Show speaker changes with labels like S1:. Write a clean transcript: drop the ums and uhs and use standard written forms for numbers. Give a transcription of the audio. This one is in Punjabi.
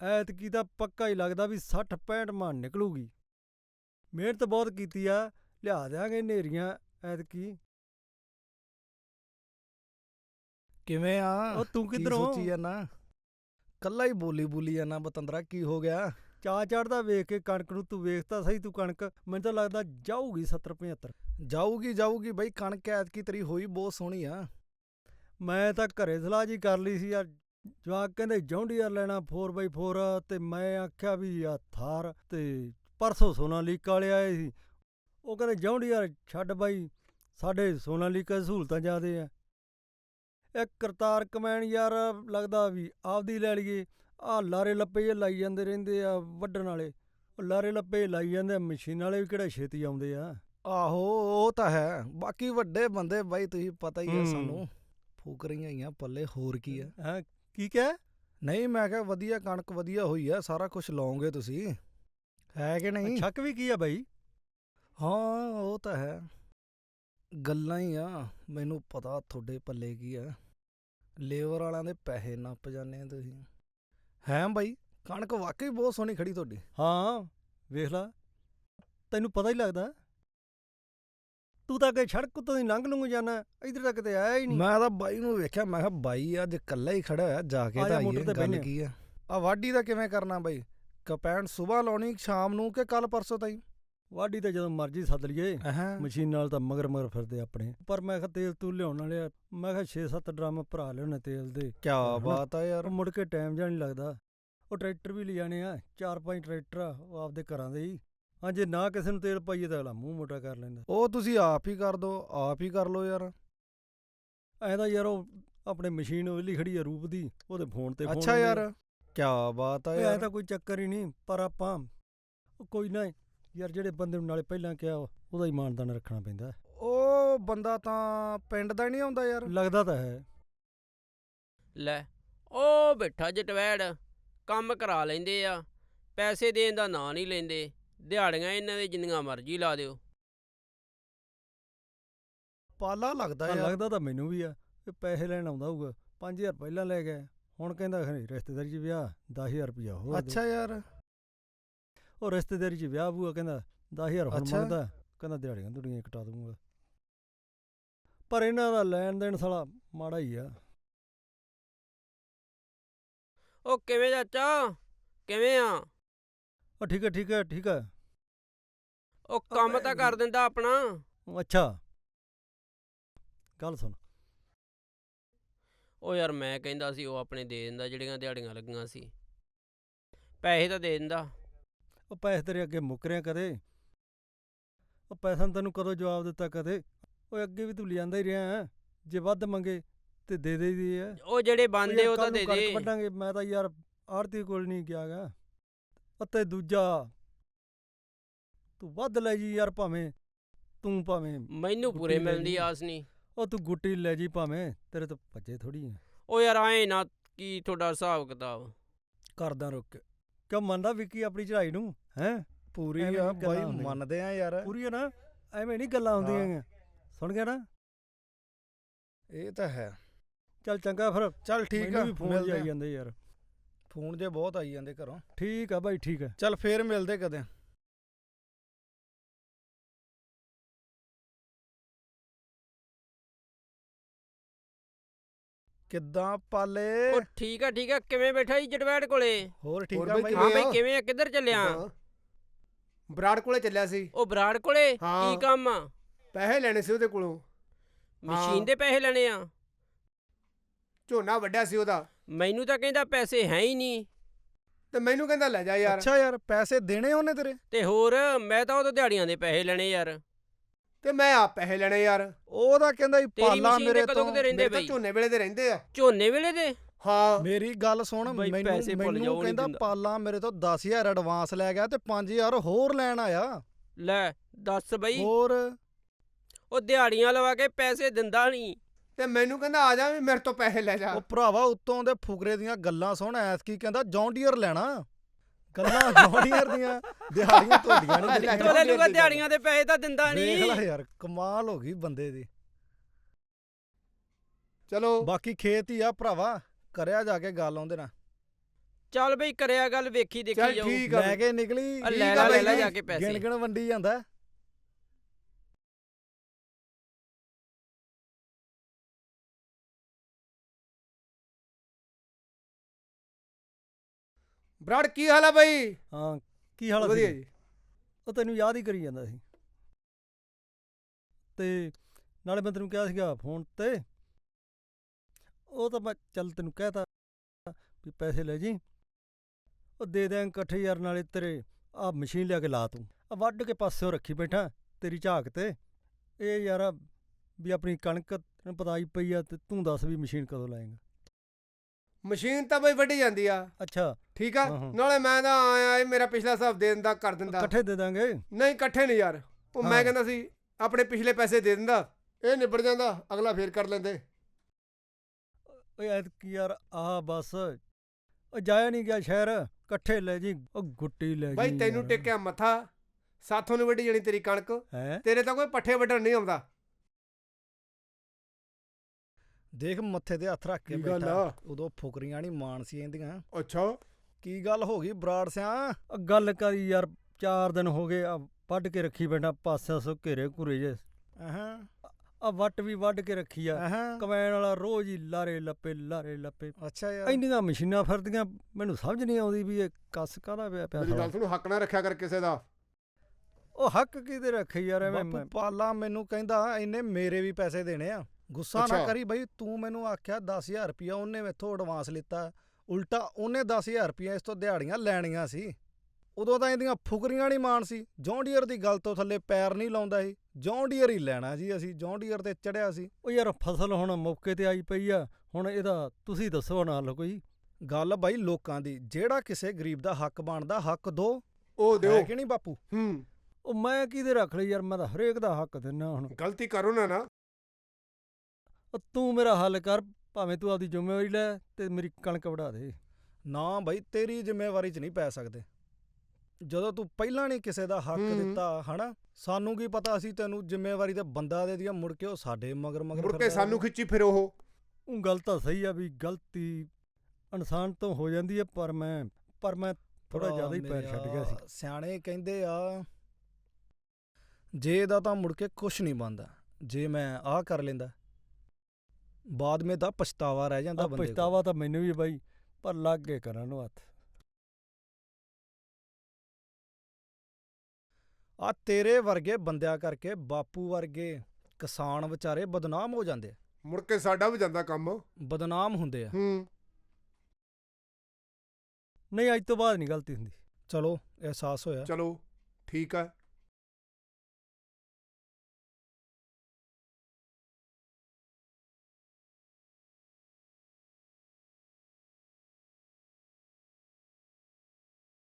S1: ਐਤਕੀ ਤਾਂ ਪੱਕਾ ਹੀ ਲੱਗਦਾ ਵੀ 60-65 ਮਣ ਨਿਕਲੂਗੀ। ਮਿਹਨਤ ਬਹੁਤ ਕੀਤੀ ਆ, ਲਿਆ ਦਿਆਂਗੇ ਨੇਰੀਆਂ ਐਤਕੀ।
S2: ਕਿਵੇਂ ਆ?
S1: ਉਹ ਤੂੰ
S2: ਕੀ
S1: ਕਿੱਧਰੋਂ?
S2: ਸੋਚੀ ਜਾਂਦਾ? ਕੱਲਾ ਹੀ ਬੋਲੀ ਜਾਂਦਾ ਬਤੰਦਰਾ, ਕੀ ਹੋ ਗਿਆ?
S1: ਚਾਅ ਚੜ੍ਹਦਾ ਵੇਖ ਕੇ ਕਣਕ ਨੂੰ। ਤੂੰ ਵੇਖ ਤਾਂ ਸਹੀ, ਤੂੰ ਕਣਕ ਮੈਨੂੰ ਤਾਂ ਲੱਗਦਾ ਜਾਊਗੀ 70-75।
S2: ਜਾਊਗੀ ਬਈ, ਕਣਕ ਐਤਕੀ ਤੇਰੀ ਹੋਈ ਬਹੁਤ ਸੋਹਣੀ ਆ।
S1: ਮੈਂ ਤਾਂ ਘਰੇ ਸਲਾਹ ਜੀ ਕਰ ਲਈ ਸੀ ਯਾਰ। ਜਵਾਕ ਕਹਿੰਦੇ ਜੌਂਡੀਅਰ ਲੈਣਾ 4x4, ਤੇ ਮੈਂ ਆਖਿਆ ਵੀ ਆ ਥਾਰ। ਤੇ ਪਰਸੋਂ ਸੋਨਾਲੀਕਾ ਵਾਲੇ ਆਏ ਸੀ, ਉਹ ਕਹਿੰਦੇ ਜੌਂਡੀਅਰ ਛੱਡ ਬਾਈ, ਸਾਡੇ ਸੋਨਾਲੀਕਾ ਦੀ ਸਹੂਲਤਾਂ ਜ਼ਿਆਦੇ ਆ। ਇਹ ਕਰਤਾਰ ਕਮੈਨ ਯਾਰ ਲੱਗਦਾ ਵੀ ਆਪਦੀ ਲੈ ਲਈਏ। ਆਹ ਲਾਰੇ ਲੱਪੇ ਜਿਹੇ ਲਾਈ ਜਾਂਦੇ ਰਹਿੰਦੇ ਆ ਵੱਢਣ ਵਾਲੇ, ਉਹ ਲਾਰੇ ਲੱਪੇ ਲਾਈ ਜਾਂਦੇ ਆ। ਮਸ਼ੀਨਾਂ ਵਾਲੇ ਵੀ ਕਿਹੜਾ ਛੇਤੀ ਆਉਂਦੇ ਆ।
S2: ਆਹੋ ਉਹ ਤਾਂ ਹੈ, ਬਾਕੀ ਵੱਡੇ ਬੰਦੇ ਬਾਈ ਤੁਸੀਂ ਪਤਾ ਹੀ ਆ ਸਾਨੂੰ, ਫੂਕਰੀਆਂ ਹੀ ਆ ਪੱਲੇ, ਹੋਰ ਕੀ ਆ।
S1: ਹਾਂ ਕੀ ਕਹਿ?
S2: ਨਹੀਂ ਮੈਂ ਕਿਹਾ ਵਧੀਆ ਕਣਕ ਵਧੀਆ ਹੋਈ ਆ, ਸਾਰਾ ਕੁਝ ਲਾਉਂਗੇ ਤੁਸੀਂ, ਹੈ ਕਿ ਨਹੀਂ?
S1: ਸ਼ੱਕ ਵੀ ਕੀ ਆ ਬਾਈ?
S2: ਹਾਂ ਉਹ ਤਾਂ ਹੈ, ਗੱਲਾਂ ਹੀ ਆ। ਮੈਨੂੰ ਪਤਾ ਤੁਹਾਡੇ ਪੱਲੇ ਕੀ ਆ, ਲੇਬਰ ਵਾਲਿਆਂ ਦੇ ਪੈਸੇ ਨੱਪ ਜਾਂਦੇ ਆ ਤੁਸੀਂ। ਹੈ ਬਾਈ, ਕਣਕ ਵਾਕਈ ਬਹੁਤ ਸੋਹਣੀ ਖੜੀ ਤੁਹਾਡੀ।
S1: ਹਾਂ ਵੇਖ ਲਾ, ਤੈਨੂੰ ਪਤਾ ਹੀ ਲੱਗਦਾ। ਤੂੰ ਤਾਂ ਅੱਗੇ ਸੜਕ ਉੱਤੋਂ ਦੀ ਲੰਘ ਲੂੰਘ ਜਾਣਾ, ਇੱਧਰ ਤਾਂ ਕਿਤੇ ਆਇਆ ਹੀ ਨਹੀਂ।
S2: ਮੈਂ ਤਾਂ ਬਾਈ ਨੂੰ ਵੇਖਿਆ, ਮੈਂ ਕਿਹਾ ਬਾਈ ਅੱਜ ਇਕੱਲਾ ਹੀ ਖੜਾ ਹੋਇਆ, ਜਾ ਕੇ ਤਾਂ ਆਈਏ, ਗੱਲ ਕੀ ਆ। ਆ ਵਾਢੀ ਦਾ ਕਿਵੇਂ ਕਰਨਾ ਬਾਈ? ਕਪੈਣ ਸੁਬਾਹ ਲਾਉਣੀ ਸ਼ਾਮ ਨੂੰ ਕਿ ਕੱਲ ਪਰਸੋਂ ਤਾਈ?
S1: ਵਾਢੀ ਤਾਂ ਜਦੋਂ ਮਰਜ਼ੀ ਸੱਦ ਲਈਏ, ਮਸ਼ੀਨ ਨਾਲ ਤਾਂ ਮਗਰ ਫਿਰਦੇ ਆਪਣੇ। ਪਰ ਮੈਂ ਕਿਹਾ ਤੇਲ ਤੂੰ ਲਿਆਉਣ ਵਾਲੇ, ਮੈਂ ਕਿਹਾ 6-7 ਡਰਮ ਭਰਾ ਲਿਆਉਣੇ ਤੇਲ ਦੇ।
S2: ਕਿਆ ਬਾਤ ਆ ਯਾਰ।
S1: ਮੁੜ ਕੇ ਟਾਈਮ ਜਾਂ ਨਹੀਂ ਲੱਗਦਾ। ਉਹ ਟਰੈਕਟਰ ਵੀ ਲਿਜਾਣੇ ਆ, 4-5 ਟਰੈਕਟਰ ਆ, ਉਹ ਆਪਦੇ ਘਰਾਂ ਦੇ ਹੀ। ਹਾਂ ਜੇ ਨਾ ਕਿਸੇ ਨੂੰ ਤੇਲ ਪਾਈਏ ਤਾਂ ਅਗਲਾ ਮੂੰਹ ਮੋਟਾ ਕਰ ਲੈਂਦਾ।
S2: ਉਹ ਤੁਸੀਂ ਆਪ ਹੀ ਕਰ ਦੋ, ਆਪ ਹੀ ਕਰ ਲੋ ਯਾਰ।
S1: ਐਂ ਤਾਂ ਯਾਰ ਉਹ ਆਪਣੇ ਮਸ਼ੀਨ ਵਿਹਲੀ ਖੜੀ ਆ ਰੂਪ ਦੀ, ਉਹਦੇ ਫੋਨ ਤੇ।
S2: ਅੱਛਾ ਯਾਰ, ਕਿਆ ਬਾਤ ਆ ਯਾਰ।
S1: ਐ ਤਾਂ ਕੋਈ ਚੱਕਰ ਹੀ ਨਹੀਂ, ਪਰ ਆਪਾਂ ਕੋਈ ਨਾ ਯਾਰ, ਜਿਹੜੇ ਬੰਦੇ ਨੂੰ ਨਾਲੇ ਪਹਿਲਾਂ ਕਿਹਾ ਉਹਦਾ ਹੀ ਮਾਨਦਾਨ ਰੱਖਣਾ ਪੈਂਦਾ।
S2: ਉਹ ਬੰਦਾ ਤਾਂ ਪਿੰਡ ਦਾ ਨਹੀਂ ਆਉਂਦਾ ਯਾਰ,
S1: ਲੱਗਦਾ ਤਾਂ ਹੈ।
S3: ਲੈ ਉਹ ਬੈਠਾ ਜਟਵੈੜ, ਕੰਮ ਕਰਾ ਲੈਂਦੇ ਆ, ਪੈਸੇ ਦੇਣ ਦਾ ਨਾਂ ਨਹੀਂ ਲੈਂਦੇ। ਦਿਹਾੜੀਆਂ ਇਹਨਾਂ ਦੇ ਜਿੰਨੀਆਂ ਮਰਜ਼ੀ ਲਾ ਦਿਓ।
S2: ਪਾਲਾ ਲੱਗਦਾ
S1: ਹਾਂ
S2: ਯਾਰ।
S1: ਲੱਗਦਾ ਤਾਂ ਮੈਨੂੰ ਵੀ ਆ, ਇਹ ਪੈਸੇ ਲੈਣ ਆਉਂਦਾ ਹੋਊਗਾ। 5000 ਪਹਿਲਾਂ ਲੈ ਗਏ, ਹੁਣ ਕਹਿੰਦਾ ਰਿਸ਼ਤੇਦਾਰੀ 'ਚ ਵਿਆਹ 10,000 ਰੁਪਇਆ ਹੋਰ।
S2: ਅੱਛਾ ਯਾਰ,
S1: ਉਹ ਰਿਸ਼ਤੇਦਾਰੀ 'ਚ ਵਿਆਹ ਬੂਆ, ਕਹਿੰਦਾ 10,000 ਹੁਣ ਮੰਗਦਾ, ਕਹਿੰਦਾ ਦਿਹਾੜੀਆਂ ਦੁੜੀਆਂ ਕਟਾ ਦੂੰਗਾ। ਪਰ ਇਹਨਾਂ ਦਾ ਲੈਣ ਦੇਣ ਸਾਲਾ ਮਾੜਾ ਹੀ ਆ।
S3: ਉਹ ਕਿਵੇਂ ਚਾਚਾ, ਕਿਵੇਂ ਆ?
S1: ਉਹ ਠੀਕ ਹੈ।
S3: ਉਹ ਕੰਮ ਤਾਂ ਕਰ ਦਿੰਦਾ ਆਪਣਾ।
S1: ਅੱਛਾ ਗੱਲ ਸੁਣ।
S3: ਉਹ ਯਾਰ ਮੈਂ ਕਹਿੰਦਾ ਸੀ ਉਹ ਆਪਣੇ ਦੇ ਦਿੰਦਾ, ਜਿਹੜੀਆਂ ਦਿਹਾੜੀਆਂ ਲੱਗੀਆਂ ਸੀ, ਪੈਸੇ ਤਾਂ ਦੇ ਦਿੰਦਾ।
S1: ਉਹ ਪੈਸੇ ਤੇਰੇ ਅੱਗੇ ਮੁੱਕ ਰਿਆ ਕਦੇ? ਉਹ ਪੈਸਾ ਨੂੰ ਤੈਨੂੰ ਕਦੋਂ ਜਵਾਬ ਦਿੱਤਾ ਕਦੇ? ਉਹ ਅੱਗੇ ਵੀ ਤੂੰ ਲਿਆਂਦਾ ਹੀ ਰਿਹਾ, ਜੇ ਵੱਧ ਮੰਗੇ ਤੇ ਦੇ ਦੇਈਦੀ ਆ।
S3: ਉਹ ਜਿਹੜੇ ਬੰਦੇ ਉਹ ਤਾਂ ਦੇ ਦੇ।
S1: ਕਣਕ ਵੱਢਾਂਗੇ, ਮੈਂ ਤਾਂ ਯਾਰ ਆੜਤੀ ਕੋਲ ਨਹੀਂ ਗਿਆ ਗਾ। ਅਤੇ ਦੂਜਾ ਤੂੰ ਵੱਧ ਲੈ ਜੀ ਯਾਰ, ਭਾਵੇਂ
S3: ਮੈਨੂੰ ਪੂਰੇ ਮਿਲਣ ਦੀ ਆਸ ਨਹੀਂ।
S1: ਉਹ ਤੂੰ ਗੁੱਟੀ ਲੈ ਜੀ ਭਾਵੇਂ, ਤੇਰੇ ਤੋਂ ਭੱਜੇ ਥੋੜੀ ਆ।
S3: ਉਹ ਯਾਰ ਆਏ ਨਾ, ਕੀ ਤੁਹਾਡਾ ਹਿਸਾਬ ਕਿਤਾਬ
S2: ਕਰਦਾ ਰੁਕ ਕੇ।
S1: ਕਿਉਂ ਮੰਨਦਾ ਵਿੱਕੀ ਆਪਣੀ ਚੜਾਈ ਨੂੰ? ਹੈ
S2: ਪੂਰੀ ਆ ਬਾਈ, ਮੰਨਦੇ ਆ ਯਾਰ,
S1: ਪੂਰੀ ਆ ਨਾ, ਐਵੇਂ ਨਹੀਂ ਗੱਲਾਂ ਹੁੰਦੀਆਂ। ਸੁਣ ਗਿਆ ਨਾ?
S2: ਇਹ ਤਾਂ ਹੈ।
S1: ਚੱਲ ਚੰਗਾ ਫਿਰ,
S2: ਚੱਲ ਠੀਕ ਆ,
S1: ਫੋਨ ਆਈ ਜਾਂਦੇ ਯਾਰ,
S2: ਫੋਨ ਜੇ ਬਹੁਤ ਆਈ ਜਾਂਦੇ ਘਰੋਂ।
S1: ਠੀਕ ਆ ਬਾਈ, ਠੀਕ ਆ।
S2: ਚੱਲ ਫੇਰ ਮਿਲਦੇ ਕਦੇ। ਕਿੱਦਾਂ ਪਾਲੇ?
S3: ਉਹ ਠੀਕ ਆ ਕਿਵੇਂ ਬੈਠਾ ਜੀ ਜਟਵੈੜ ਕੋਲੇ?
S2: ਹੋਰ ਠੀਕ ਆ ਬਾਈ।
S3: ਹਾਂ ਬਾਈ ਕਿਵੇਂ ਆ, ਕਿੱਧਰ ਚੱਲਿਆ?
S4: ਬਰਾੜ ਕੋਲੇ ਚੱਲਿਆ ਸੀ।
S3: ਉਹ ਬਰਾੜ ਕੋਲੇ ਕੀ ਕੰਮ ਆ?
S4: ਪੈਸੇ ਲੈਣੇ ਸੀ ਉਹਦੇ ਕੋਲੋਂ।
S3: ਮਸ਼ੀਨ ਦੇ ਪੈਸੇ ਲੈਣੇ ਆ?
S4: ਝੋਨਾ ਵੱਢਿਆ ਸੀ ਉਹਦਾ।
S3: ਮੈਨੂੰ ਤਾਂ ਕਹਿੰਦਾ ਪੈਸੇ ਹੈ ਹੀ ਨਹੀਂ,
S4: ਤੇ ਮੈਨੂੰ ਕਹਿੰਦਾ ਲੈ ਜਾ ਯਾਰ।
S2: ਅੱਛਾ ਯਾਰ, ਪੈਸੇ ਦੇਣੇ ਉਹਨੇ ਤੇਰੇ?
S3: ਤੇ ਹੋਰ ਮੈਂ ਤਾਂ ਉਹ ਦਿਹਾੜੀਆਂ ਦੇ ਪੈਸੇ ਲੈਣੇ ਯਾਰ।
S4: ਤੇ ਮੈਂ ਆਪ ਪੈਸੇ ਲੈਣੇ ਯਾਰ।
S2: ਉਹਦਾ ਕਹਿੰਦਾ ਹੀ ਪਾਲਾ ਮੇਰੇ ਤੋਂ।
S3: ਰਹਿੰਦੇ
S4: ਤਾਂ ਝੋਨੇ ਵੇਲੇ ਦੇ ਰਹਿੰਦੇ ਆ।
S3: ਝੋਨੇ ਵੇਲੇ ਦੇ?
S4: ਹਾਂ
S2: ਮੇਰੀ ਗੱਲ ਸੁਣ, ਮੈਨੂੰ ਕਹਿੰਦਾ ਪਾਲਾ ਮੇਰੇ ਤੋਂ 10,000 ਐਡਵਾਂਸ ਲੈ ਗਿਆ ਤੇ 5,000 ਹੋਰ ਲੈਣ ਆਇਆ।
S3: ਲੈ ਦੱਸ ਬਈ,
S2: ਹੋਰ
S3: ਉਹ ਦਿਹਾੜੀਆਂ ਲਵਾ ਕੇ ਪੈਸੇ ਦਿੰਦਾ ਨਹੀਂ,
S4: ਤੇ ਮੈਨੂੰ ਕਹਿੰਦਾ ਆ ਜਾ ਵੀ ਮੇਰੇ ਤੋਂ ਪੈਸੇ ਲੈ ਜਾ।
S2: ਉਹ ਭਰਾਵਾ ਉੱਤੋਂ ਦੇ ਫੁਕਰੇ ਦੀਆਂ ਗੱਲਾਂ ਸੁਣ, ਐਤਕੀ ਕਹਿੰਦਾ ਜੌਂਡੀਅਰ ਲੈਣਾ। ਗੱਲਾਂ ਜੌਂਡੀਅਰ ਦੀਆਂ, ਦਿਹਾੜੀਆਂ ਤੁਹਾਡੀਆਂ
S3: ਨਹੀਂ। ਦਿਹਾੜੀਆਂ ਦੇ ਪੈਸੇ ਤਾਂ ਦਿੰਦਾ ਨਹੀਂ।
S2: ਦੇਖ ਲੈ ਯਾਰ, ਕਮਾਲ ਹੋ ਗਈ ਬੰਦੇ ਦੀ।
S4: ਚਲੋ
S2: ਬਾਕੀ ਖੇਤ ਹੀ ਆ ਭਰਾਵਾ, ਕਰਿਆ ਜਾ ਕੇ ਗੱਲ ਆਉਂਦੇ ਨਾ।
S3: ਚੱਲ ਬਈ ਕਰਿਆ ਗੱਲ, ਵੇਖੀ ਦੇਖੀ
S4: ਚੱਲ
S3: ਜਾਊ।
S4: ਠੀਕ ਆ
S2: ਲੈ
S4: ਬਈ।
S2: ਕੇ ਨਿਕਲੀ
S3: ਆ
S4: ਠੀਕ
S3: ਲੈ
S4: ਆ
S3: ਲੈ
S4: ਬਾਈ
S3: ਲੈ
S4: ਜੀ,
S3: ਜਾ ਕੇ ਪੈਸੇ।
S2: ਗਿਣ ਵੰਡੀ ਜਾਂਦਾ।
S4: ਬਰਾੜ ਕੀ ਹਾਲ ਆ ਬਾਈ?
S1: ਹਾਂ ਕੀ ਹਾਲ
S4: ਵਧੀਆ
S1: ਸੀ?
S4: ਜੀ।
S1: ਉਹ ਤੈਨੂੰ ਯਾਦ ਹੀ ਕਰੀ ਜਾਂਦਾ ਸੀ ਤੇ ਨਾਲੇ ਮੈਂ ਤੈਨੂੰ ਕਿਹਾ ਸੀਗਾ ਫੋਨ ਤੇ, ਉਹ ਤਾਂ ਮੈਂ ਚੱਲ ਤੈਨੂੰ ਕਹਿਤਾ ਵੀ ਪੈਸੇ ਲੈ ਜੀ, ਉਹ ਦੇ ਦਿਆਂ ਇਕੱਠੇ ਯਾਰ। ਨਾਲੇ ਤੇਰੇ ਆ ਮਸ਼ੀਨ ਲਿਆ ਕੇ ਲਾ, ਤੂੰ ਆ ਵੱਢ ਕੇ ਪਾਸਿਓ ਰੱਖੀ ਬੈਠਾ ਤੇਰੀ ਝਾਕ ਤੇ। ਇਹ ਯਾਰ ਵੀ ਆਪਣੀ ਕਣਕ ਤੈਨੂੰ ਪਤਾ ਹੀ ਪਈ ਆ, ਤੇ ਤੂੰ ਦੱਸ ਵੀ ਮਸ਼ੀਨ ਕਦੋਂ ਲਾਏਂਗਾ?
S4: ਮਸ਼ੀਨ ਤਾਂ ਬਈ ਵੱਢੀ ਜਾਂਦੀ ਆ।
S1: ਅੱਛਾ
S4: ਠੀਕ ਆ,
S1: ਹਾਂ, ਹਾਂ।
S4: ਨਾਲੇ ਮੈਂ ਤਾਂ ਆਇਆ ਇਹ ਮੇਰਾ ਪਿਛਲਾ ਹਿਸਾਬ ਦੇ ਦਿੰਦਾ, ਕਰ ਦਿੰਦਾ।
S1: ਇਕੱਠੇ ਦੇ ਦਾਂਗੇ।
S4: ਨਹੀਂ ਇਕੱਠੇ ਨਹੀਂ ਯਾਰ, ਉਹ ਮੈਂ
S1: ਹਾਂ।
S4: ਕਹਿੰਦਾ ਸੀ ਆਪਣੇ ਪਿਛਲੇ ਪੈਸੇ ਦੇ ਦਿੰਦਾ, ਇਹ ਨਿਬੜ ਜਾਂਦਾ, ਅਗਲਾ ਫੇਰ ਕਰ ਲੈਂਦੇ।
S1: ਓਏ ਐਤਕੀ ਯਾਰ ਆਹ ਬਸ ਉਹ ਜਾਇਆ ਨਹੀਂ ਗਿਆ ਸ਼ਹਿਰ, ਇਕੱਠੇ ਲੈ ਜੀ, ਉਹ ਗੁੱਟੀ ਲੈ ਜੀ।
S4: ਬਾਈ ਤੈਨੂੰ ਟੇਕਿਆ ਮੱਥਾ, ਸਾਥੋਂ ਨਹੀਂ ਵੱਢੀ ਜਾਣੀ ਤੇਰੀ ਕਣਕ,
S1: ਹੈ
S4: ਤੇਰੇ ਤਾਂ ਕੋਈ ਪੱਠੇ ਵੱਢਣ ਨਹੀਂ ਆਉਂਦਾ।
S2: ਦੇਖ ਮੱਥੇ ਤੇ ਹੱਥ ਰੱਖ ਕੇ
S4: ਕੀ ਗੱਲ
S2: ਬੈਠਾ।
S4: ਆ?
S2: ਉਦੋਂ ਫੁਕਰੀਆਂ ਨਹੀਂ ਮਾਨ ਸੀ ਇਹਦੀਆਂ।
S4: ਅੱਛਾ
S2: ਕੀ ਗੱਲ ਹੋ ਗਈ ਬਰਾੜ ਸਿਆ?
S1: ਗੱਲ ਕਰੀ ਯਾਰ, 4 ਦਿਨ ਹੋ ਗਏ ਆ ਵੱਢ ਕੇ ਰੱਖੀ ਬੈਠਾ ਪਾਸਿਆਂ ਸੋ ਘੇਰੇ ਘੁਰੇ ਜੇ।
S2: ਅਹਾਂ
S1: ਆ ਵੱਟ ਵੀ ਵੱਢ ਕੇ ਰੱਖੀ ਆ,
S2: ਅਹਾਂ
S1: ਕਮੈਨ ਵਾਲਾ ਰੋਜ਼ ਹੀ ਲਾਰੇ ਲੱਪੇ।
S2: ਅੱਛਾ ਯਾਰ।
S1: ਇੰਨੀਆਂ ਮਸ਼ੀਨਾਂ ਫਿਰਦੀਆਂ, ਮੈਨੂੰ ਸਮਝ ਨਹੀਂ ਆਉਂਦੀ ਵੀ ਇਹ ਕੱਸ ਕਾਹਦਾ ਪਿਆ
S4: ਮੇਰੀ
S1: ਸਾਲਾ।
S4: ਗੱਲ ਸੁਣ, ਹੱਕ ਨਾ ਰੱਖਿਆ ਕਰ ਕਿਸੇ ਦਾ।
S1: ਉਹ ਹੱਕ ਕਿਹਦੇ ਰੱਖੇ ਯਾਰ? ਐਵੇਂ
S2: ਬਾਪੂ ਪਾਲਾ ਮੈਨੂੰ ਕਹਿੰਦਾ ਇਹਨੇ ਮੇਰੇ ਵੀ ਪੈਸੇ ਦੇਣੇ ਆ। ਗੁੱਸਾ ਨਾ
S4: ਅੱਛਾ।
S2: ਕਰੀ ਬਈ, ਤੂੰ ਮੈਨੂੰ ਆਖਿਆ 10,000 ਰੁਪਇਆ ਉਹਨੇ ਮੈਥੋਂ ਐਡਵਾਂਸ ਲਿੱਤਾ, ਉਲਟਾ ਉਹਨੇ 10,000 ਰੁਪਇਆ ਇਸ ਤੋਂ ਦਿਹਾੜੀਆਂ ਲੈਣੀਆਂ ਸੀ। ਉਦੋਂ ਤਾਂ ਇਹਦੀਆਂ ਫੁਕਰੀਆਂ ਨਹੀਂ ਮਾਣ ਸੀ। ਜੌਨ ਡੀਅਰ ਦੀ ਗੱਲ ਤੋਂ ਥੱਲੇ ਪੈਰ ਨਹੀਂ ਲਾਉਂਦਾ ਸੀ। ਜੌਨ ਡੀਅਰ ਹੀ ਲੈਣਾ ਜੀ ਅਸੀਂ, ਜੌਨ ਡੀਅਰ ਤੇ ਚੜਿਆ ਸੀ।
S1: ਉਹ ਯਾਰ ਫਸਲ ਹੁਣ ਮੌਕੇ ਤੇ ਆਈ ਪਈ ਆ, ਹੁਣ ਇਹਦਾ ਤੁਸੀਂ ਦੱਸੋ ਨਾ ਹੱਲ ਕੋਈ।
S2: ਗੱਲ ਬਾਈ ਲੋਕਾਂ ਦੀ, ਜਿਹੜਾ ਕਿਸੇ ਗਰੀਬ ਦਾ ਹੱਕ ਬਣਦਾ ਹੱਕ ਦੋ,
S4: ਉਹ
S2: ਹੈ
S4: ਦਿਓ।
S2: ਕਿ ਨਹੀਂ ਬਾਪੂ?
S1: ਉਹ ਮੈਂ ਕਿਹਦੇ ਰੱਖ ਲਈ ਯਾਰ, ਮੈਂ ਤਾਂ ਹਰੇਕ ਦਾ ਹੱਕ ਦਿੰਦਾ ਹੁਣ।
S4: ਗਲਤੀ ਕਰੋ ਨਾ।
S1: ਉਹ ਤੂੰ ਮੇਰਾ ਹੱਲ ਕਰ, ਭਾਵੇਂ ਤੂੰ ਆਪਦੀ ਜ਼ਿੰਮੇਵਾਰੀ ਲੈ ਤੇ ਮੇਰੀ ਕਣਕ ਵਢਾ ਦੇ।
S2: ਨਾ ਬਾਈ, ਤੇਰੀ ਜ਼ਿੰਮੇਵਾਰੀ 'ਚ ਨਹੀਂ ਪੈ ਸਕਦੇ। ਜਦੋਂ ਤੂੰ ਪਹਿਲਾਂ ਨਹੀਂ ਕਿਸੇ ਦਾ ਹੱਕ ਦਿੱਤਾ ਹਨਾ, ਸਾਨੂੰ ਕੀ ਪਤਾ ਸੀ ਤੈਨੂੰ ਜ਼ਿੰਮੇਵਾਰੀ ਤੇ ਬੰਦਾ ਦੇ ਦਿਆ, ਮੁੜ ਕੇ ਉਹ ਸਾਡੇ ਮਗਰ
S4: ਮੁੜ ਕੇ
S2: ਫਿਰਦਾ
S4: ਸਾਨੂੰ
S2: ਰਹੇ।
S4: ਖਿੱਚੀ ਫਿਰ ਉਹ।
S1: ਉਹ ਗੱਲ ਤਾਂ ਸਹੀ ਆ ਵੀ ਗਲਤੀ ਇਨਸਾਨ ਤੋਂ ਹੋ ਜਾਂਦੀ ਹੈ, ਪਰ ਮੈਂ ਥੋੜਾ ਜ਼ਿਆਦਾ ਹੀ ਪੈਰ ਛੱਡ ਗਿਆ ਸੀ।
S2: ਸਿਆਣੇ ਕਹਿੰਦੇ ਆ, ਜੇ ਇਹਦਾ ਤਾਂ ਮੁੜ ਕੇ ਕੁਛ ਨਹੀਂ ਬਣਦਾ। ਜੇ ਮੈਂ ਆਹ ਕਰ ਲੈਂਦਾ, ਬਾਅਦ ਵਿੱਚ ਤਾਂ ਪਛਤਾਵਾ ਰਹਿ ਜਾਂਦਾ
S1: ਆ
S2: ਬੰਦੇ ਕੋਲ।
S1: ਪਛਤਾਵਾ ਤਾਂ ਮੈਨੂੰ ਵੀ ਬਾਈ, ਪਰ ਲੱਗ ਗਏ ਕਰਨ ਨੂੰ ਹੱਥ।
S2: ਆ ਤੇਰੇ ਵਰਗੇ ਬੰਦਿਆਂ ਕਰਕੇ ਬਾਪੂ ਵਰਗੇ ਕਿਸਾਨ ਵਿਚਾਰੇ ਬਦਨਾਮ ਹੋ ਜਾਂਦੇ ਆ।
S4: ਮੁੜ ਕੇ ਸਾਡਾ ਵੀ ਜਾਂਦਾ ਕੰਮ।
S2: ਬਦਨਾਮ ਹੁੰਦੇ ਆ।
S1: ਨਹੀਂ ਅੱਜ ਤੋਂ ਬਾਅਦ ਨਹੀਂ ਗਲਤੀ ਹੁੰਦੀ।
S2: ਚਲੋ ਅਹਿਸਾਸ ਹੋਇਆ।
S4: ਚਲੋ ਠੀਕ ਆ।